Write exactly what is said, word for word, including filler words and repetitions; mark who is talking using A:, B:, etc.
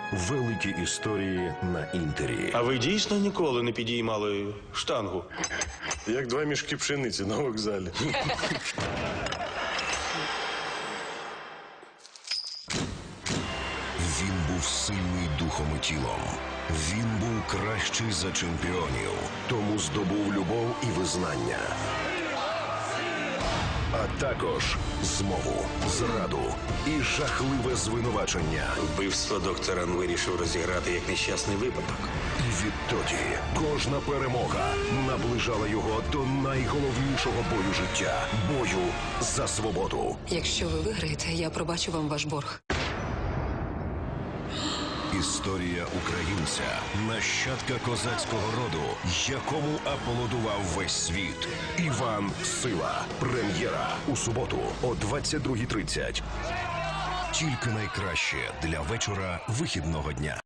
A: Великі історії на Інтері.
B: А ви дійсно ніколи не підіймали штангу?
C: Як два мішки пшениці на вокзалі.
A: Він був сильний духом і тілом. Він був кращий за чемпіонів, тому здобув любов і визнання. А також змову, зраду і жахливе звинувачення.
B: Вбивство доктора вирішив розіграти як нещасний випадок.
A: І відтоді кожна перемога наближала його до найголовнішого бою життя – бою за свободу.
D: Якщо ви виграєте, я пробачу вам ваш борг.
A: Історія українця, нащадка козацького роду, якому аплодував весь світ. Іван Сила. Прем'єра у суботу о двадцять другій тридцять. Тільки найкраще для вечора вихідного дня.